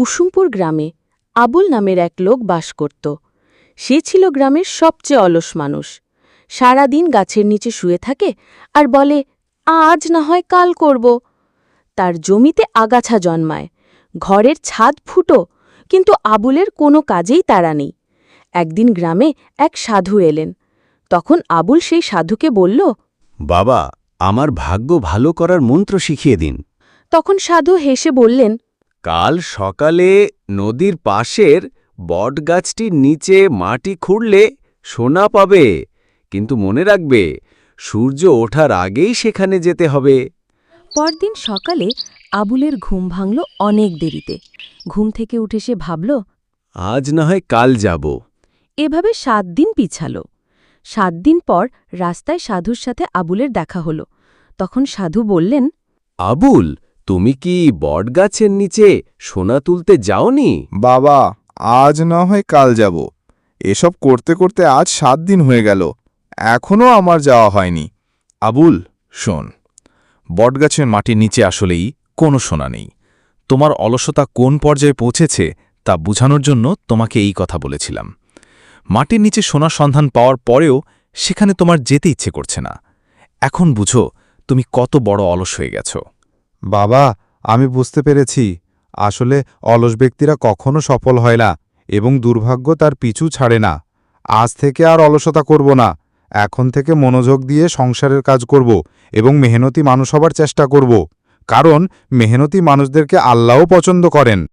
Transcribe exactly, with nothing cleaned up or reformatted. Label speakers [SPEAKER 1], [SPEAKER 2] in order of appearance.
[SPEAKER 1] কুসুমপুর গ্রামে আবুল নামের এক লোক বাস করত। সে ছিল গ্রামের সবচেয়ে অলস মানুষ। সারাদিন গাছের নিচে শুয়ে থাকে আর বলে, আজ না হয় কাল করব। তার জমিতে আগাছা জন্মায়, ঘরের ছাদ ফুটো, কিন্তু আবুলের কোনো কাজেই তাড়া নেই। একদিন গ্রামে এক সাধু এলেন। তখন আবুল সেই সাধুকে বলল,
[SPEAKER 2] বাবা, আমার ভাগ্য ভালো করার মন্ত্র শিখিয়ে দিন।
[SPEAKER 1] তখন সাধু হেসে বললেন,
[SPEAKER 2] কাল সকালে নদীর পাশের বটগাছটির নিচে মাটি খুঁড়লে সোনা পাবে, কিন্তু মনে রাখবে সূর্য ওঠার আগেই সেখানে যেতে হবে।
[SPEAKER 1] পরদিন সকালে আবুলের ঘুম ভাঙল অনেক দেরিতে। ঘুম থেকে উঠে সে ভাবল,
[SPEAKER 2] আজ না হয় কাল যাব।
[SPEAKER 1] এভাবে সাত দিন পিছাল। সাত দিন পর রাস্তায় সাধুর সাথে আবুলের দেখা হল। তখন সাধু বললেন,
[SPEAKER 2] আবুল, তুমি কি বটগাছের নিচে সোনা তুলতে যাওনি?
[SPEAKER 3] বাবা, আজ না হয় কাল যাব। এসব করতে করতে আজ সাত দিন হয়ে গেল, এখনও আমার যাওয়া হয়নি। আবুল, শোন, বটগাছের মাটির নিচে আসলেই কোনো সোনা নেই। তোমার অলসতা কোন পর্যায়ে পৌঁছেছে তা বোঝানোর জন্য তোমাকে এই কথা বলেছিলাম। মাটির নিচে সোনার সন্ধান পাওয়ার পরেও সেখানে তোমার যেতে ইচ্ছে করছে না। এখন বুঝো তুমি কত বড় অলস হয়ে গেছ। বাবা, আমি বুঝতে পেরেছি, আসলে অলস ব্যক্তিরা কখনো সফল হয় না এবং দুর্ভাগ্য তার পিছু ছাড়ে না। আজ থেকে আর অলসতা করব না। এখন থেকে মনোযোগ দিয়ে সংসারের কাজ করব এবং মেহনতি মানুষ হবার চেষ্টা করব, কারণ মেহনতি মানুষদেরকে আল্লাহও পছন্দ করেন।